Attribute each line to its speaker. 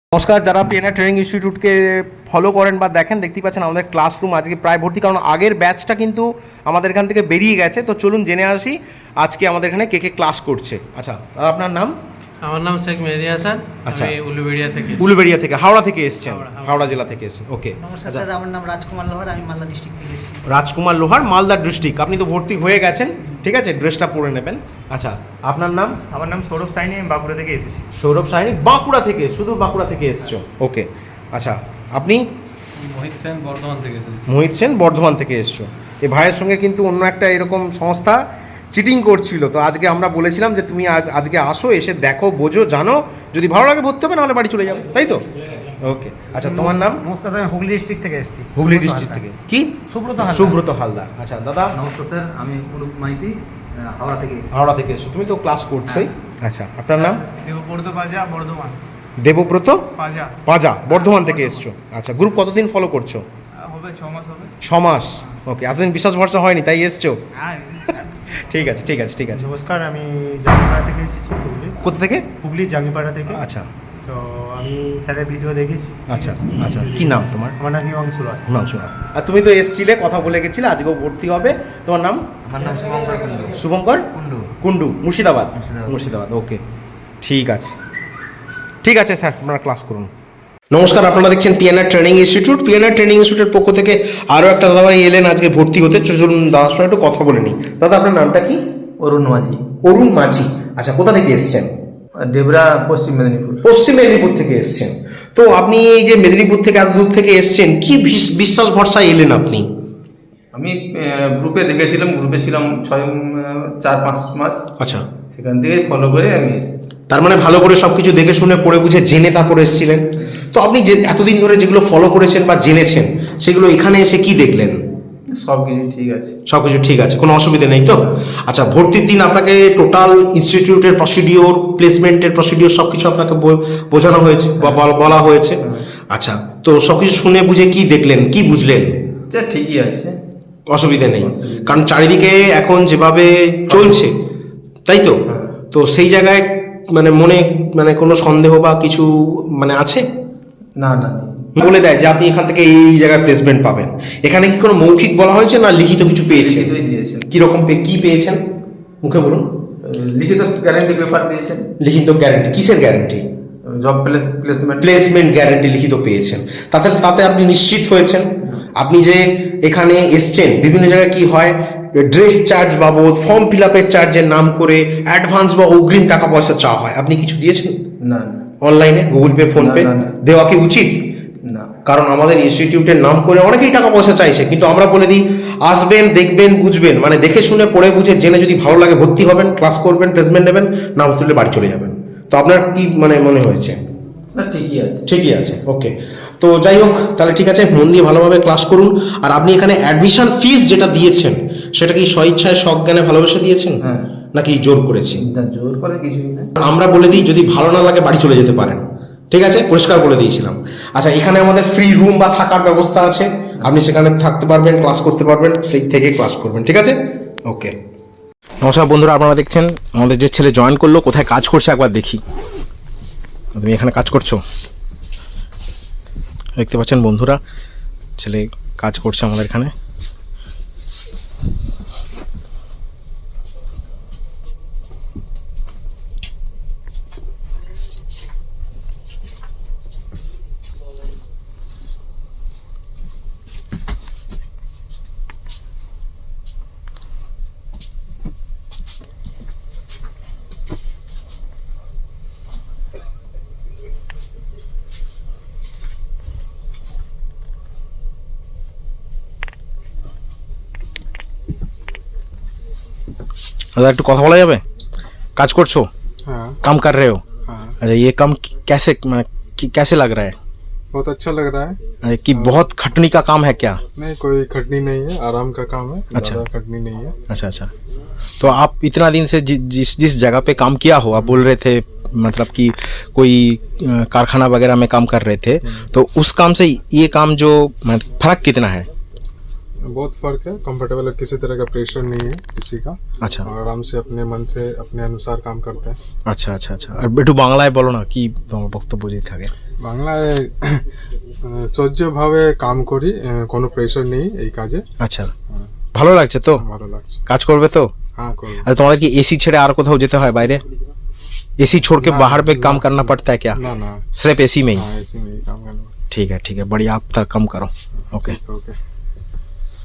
Speaker 1: নমস্কার, যারা PNR training ইনস্টিটিউটকে follow করেন বা দেখেন, দেখতেই পাচ্ছেন আমাদের ক্লাসরুম আজকে প্রায় ভর্তি, কারণ আগের ব্যাচটা কিন্তু আমাদের এখান থেকে বেরিয়ে গেছে। তো চলুন জেনে আসি আজকে আমাদের এখানে কে কে ক্লাস করছে। আচ্ছা, আপনার নাম?
Speaker 2: আমার নাম শেখ মেহেদি হাসান।
Speaker 1: আচ্ছা,
Speaker 2: আমি উলুবেড়িয়া থেকে।
Speaker 1: উলুবেড়িয়া থেকে, হাওড়া থেকে এসেছেন? হাওড়া জেলা থেকে এসেছেন, ওকে।
Speaker 3: নমস্কার স্যার, আমার নাম রাজকুমার লোহার, আমি মালদা ডিস্ট্রিক্ট থেকে এসেছি।
Speaker 1: রাজকুমার লোহার, মালদা ডিস্ট্রিক্ট। আপনি তো ভর্তি হয়ে গেছেন, ঠিক আছে, ড্রেসটা পরে নেবেন। আচ্ছা, আপনার নাম?
Speaker 4: আমার নাম সৌরভ সাইনি, আমি বাঁকুড়া থেকে এসেছি।
Speaker 1: সৌরভ সাইনি, বাঁকুড়া থেকে? শুধু বাঁকুড়া থেকে এসেছো, ওকে। আচ্ছা, আপনি?
Speaker 2: মোহিত সেন, বর্ধমান থেকে এসেছি।
Speaker 1: মোহিত সেন, বর্ধমান থেকে এসছো। এই ভাইয়ের সঙ্গে কিন্তু অন্য একটা এরকম সংস্থা চিটিং করছিল, তো আজকে আমরা বলেছিলাম যে তুমি আজকে আসো, এসে দেখো, বোঝো, জানো, যদি ভালো লাগে ভর্তি হবে, নাহলে বাড়ি চলে যাবে, তাই তো? ওকে। আচ্ছা, তোমার নাম?
Speaker 3: নমস্কার স্যার, আমি হুগলি ডিস্ট্রিক্ট থেকে এসেছি।
Speaker 1: হুগলি ডিস্ট্রিক্ট থেকে। কি?
Speaker 3: সুব্রত হালদার।
Speaker 1: সুব্রত হালদার। আচ্ছা দাদা?
Speaker 5: নমস্কার স্যার, আমি অনুপ মাইতি, হাওড়া থেকে এসেছি।
Speaker 1: হাওড়া থেকে এসছো, তুমি তো ক্লাস করছোই। আচ্ছা, আপনার নাম?
Speaker 4: দেবব্রত পাজা, বর্ধমান।
Speaker 1: দেবব্রত
Speaker 4: পাজা
Speaker 1: পাজা, বর্ধমান থেকে এসছো। আচ্ছা, গ্রুপ কতদিন ফলো করছো?
Speaker 4: হবে 6 মাস হবে।
Speaker 1: 6 মাস, ওকে। এতদিন বিশ্বাস ভরসা হয়নি, তাই এসছো?
Speaker 4: হ্যাঁ।
Speaker 1: ঠিক আছে, ঠিক আছে, ঠিক আছে।
Speaker 4: নমস্কার, আমি জাঙ্গিপাড়া থেকে এসেছি, হুগলি।
Speaker 1: কোথা থেকে?
Speaker 4: হুগলি জাঙ্গিপাড়া থেকে।
Speaker 1: আচ্ছা
Speaker 4: তো আমি স্যারের ভিডিও দেখেছি।
Speaker 1: আচ্ছা আচ্ছা, কি নাম তোমার?
Speaker 4: আমার নাম হিমাংশু রায়।
Speaker 1: হিমাংশু রায়। আর তুমি তো এসছিলে, কথা বলে গেছিলে, আজকেও ভর্তি হবে। তোমার নাম?
Speaker 5: আমার নাম শুভঙ্কর কুন্ডু।
Speaker 1: শুভঙ্কর
Speaker 5: কুন্ডু।
Speaker 1: কুন্ডু, মুর্শিদাবাদ?
Speaker 5: মুর্শিদাবাদ।
Speaker 1: মুর্শিদাবাদ, ওকে। ঠিক আছে, ঠিক আছে স্যার, আপনারা ক্লাস করুন। নমস্কার, আপনারা দেখছেন PNR training institute. PNR training ইনস্টিটিউটের পক্ষ থেকে আরও একটা দাদা এলেন আজকে ভর্তি হতে। চলুন দাদার সঙ্গে একটু কথা বলে নিই। দাদা, আপনার নামটা কি?
Speaker 5: অরুণ মাঝি,
Speaker 1: অরুণ মাঝি। আচ্ছা, কোথা থেকে এসছেন?
Speaker 5: ডেবরা, পশ্চিম মেদিনীপুর।
Speaker 1: পশ্চিম মেদিনীপুর থেকে এসছেন। তো আপনি এই যে মেদিনীপুর থেকে এত দূর থেকে এসছেন, কি বিশ্বাস ভরসা এলেন আপনি?
Speaker 5: আমি গ্রুপে দেখেছিলাম, গ্রুপে ছিলাম 4-5 মাস।
Speaker 1: আচ্ছা,
Speaker 5: সেখান থেকে ফলো করে আমি এসেছি।
Speaker 1: তার মানে ভালো করে সবকিছু দেখে শুনে পড়ে বুঝে জেনে তারপরে এসেছিলেন। তো আপনি যে এতদিন ধরে যেগুলো ফলো করেছেন বা জেনেছেন, সেগুলো এখানে এসে কি দেখলেন?
Speaker 5: সব কিছু ঠিক আছে।
Speaker 1: সব কিছু ঠিক আছে, কোনো অসুবিধা নেই তো? আচ্ছা, ভর্তির দিন আপনাকে টোটাল ইনস্টিটিউটের প্রসিডিওর, প্লেসমেন্টের প্রসিডিওর সব কিছু আপনাকে বোঝানো হয়েছে বা বলা হয়েছে? আচ্ছা, তো সব কিছু শুনে বুঝে কি দেখলেন, কি বুঝলেন?
Speaker 5: ঠিকই আছে,
Speaker 1: অসুবিধা নেই, কারণ চারিদিকে এখন যেভাবে চলছে, তাই তো? তো সেই জায়গায় মনে কোনো সন্দেহ বা কিছু আছে?
Speaker 5: না না,
Speaker 1: বলে দেয় যে আপনি এখান থেকে এই জায়গায় প্লেসমেন্ট পাবেন। এখানে কি কোনো মৌখিক বলা হয়েছে না লিখিত কিছু পেয়েছেন?
Speaker 5: লিখিতই দিয়েছেন।
Speaker 1: কিরকম কি পেয়েছেন মুখে বলুন?
Speaker 5: লিখিত গ্যারান্টি পেপার দিয়েছেন।
Speaker 1: লিখিত গ্যারান্টি? কিসের guarantee?
Speaker 5: Job placement.
Speaker 1: Placement guarantee লিখিত পেয়েছেন, তাতে আপনি নিশ্চিত হয়েছেন? আপনি যে এখানে এসছেন, বিভিন্ন জায়গায় কি হয়, ড্রেস চার্জ বাবদ, ফর্ম ফিল আপের চার্জের নাম করে অ্যাডভান্স বা অগ্রিম টাকা পয়সা চাওয়া হয়, আপনি কিছু দিয়েছেন?
Speaker 5: না।
Speaker 1: অনলাইনে গুগল পে, ফোন পে দেওয়া কি উচিত?
Speaker 5: না।
Speaker 1: কারণ আমাদের ইনস্টিটিউটের নাম করে অনেকেই টাকা পয়সা চাইছে, কিন্তু আমরা বলে দিই আসবেন, দেখবেন, বুঝবেন, দেখে শুনে পড়ে বুঝে জেনে যদি ভালো লাগে ভর্তি হবেন, ক্লাস করবেন, প্লেসমেন্ট নেবেন, না ভর্তি হলে বাড়ি চলে যাবেন। তো আপনার কি মনে হয়েছে?
Speaker 5: না, ঠিকই আছে।
Speaker 1: ঠিকই আছে, ওকে। তো যাই হোক, তাহলে ঠিক আছে, মন দিয়ে ভালোভাবে ক্লাস করুন। আর আপনি এখানে অ্যাডমিশন ফিস যেটা দিয়েছেন, সেটা কি স্বইচ্ছায় সজ্ঞানে ভালোবেসে দিয়েছেন
Speaker 5: হ্যাঁ।
Speaker 1: নাকি জোর করেছি?
Speaker 5: জোর করে কিছুই না।
Speaker 1: আমরা বলে দিই যদি ভালো না লাগে বাড়ি চলে যেতে পারেন, ঠিক আছে, পরিষ্কার বলে দিয়েছিলাম। আচ্ছা, এখানে আমাদের ফ্রি রুম বা থাকার ব্যবস্থা আছে, আপনি সেখানে থাকতে পারবেন, ক্লাস করতে পারবেন, সেই থেকে ক্লাস করবেন, ঠিক আছে, ওকে। নমস্কার বন্ধুরা, আপনারা দেখছেন আমাদের যে ছেলে জয়েন করলো, কোথায় কাজ করছে একবার দেখি। তুমি এখানে কাজ করছো, দেখতে পাচ্ছেন বন্ধুরা, ছেলে কাজ করছে আমাদের এখানে। दादा एक কথা বলা যাবে? কাজ করছো?
Speaker 6: हाँ
Speaker 1: काम कर रहे हो?
Speaker 6: हाँ,
Speaker 1: अच्छा, ये काम कैसे लग रहा है?
Speaker 6: बहुत अच्छा लग रहा है।
Speaker 1: कि बहुत खटनी का काम है क्या?
Speaker 6: नहीं, कोई खटनी नहीं है, आराम का काम है।
Speaker 1: अच्छा।
Speaker 6: ज़्यादा खटनी नहीं है।
Speaker 1: अच्छा अच्छा, तो आप इतना दिन से जिस जगह पे काम किया हो, आप बोल रहे थे कि कोई कारखाना वगैरह में काम कर रहे थे, तो उस काम से ये काम जो फर्क कितना है?
Speaker 6: बहुत फर्क है, कंफर्टेबल है, किसी तरह का प्रेशर नहीं है किसी का,
Speaker 1: আচ্ছা
Speaker 6: और आराम से अपने मन से अपने अनुसार काम करते हैं।
Speaker 1: আচ্ছা আচ্ছা আচ্ছা আর একটু বাংলায় বলো না কি তোমার বক্তব্য যদি থাকে
Speaker 6: বাংলায় সহ্যভাবে কাম করি, কোনো প্রেশার নেই এই কাজে।
Speaker 1: আচ্ছা ভালো লাগছে তো?
Speaker 6: ভালো লাগছে।
Speaker 1: কাজ করবে তো?
Speaker 6: हाँ করবো।
Speaker 1: আচ্ছা তোমাদের কি এসি ছেড়ে আর কোথাও যেতে হয় বাইরে? एसी छोड़ के
Speaker 6: ना,
Speaker 1: बाहर पे काम
Speaker 6: ना।
Speaker 1: करना पड़ता है क्या?
Speaker 6: ना ना,
Speaker 1: सिर्फ एसी में ही?
Speaker 6: हाँ ऐसे में ही काम करना।
Speaker 1: ठीक है बढ़िया, आप तक कम करो। Okay
Speaker 6: okay.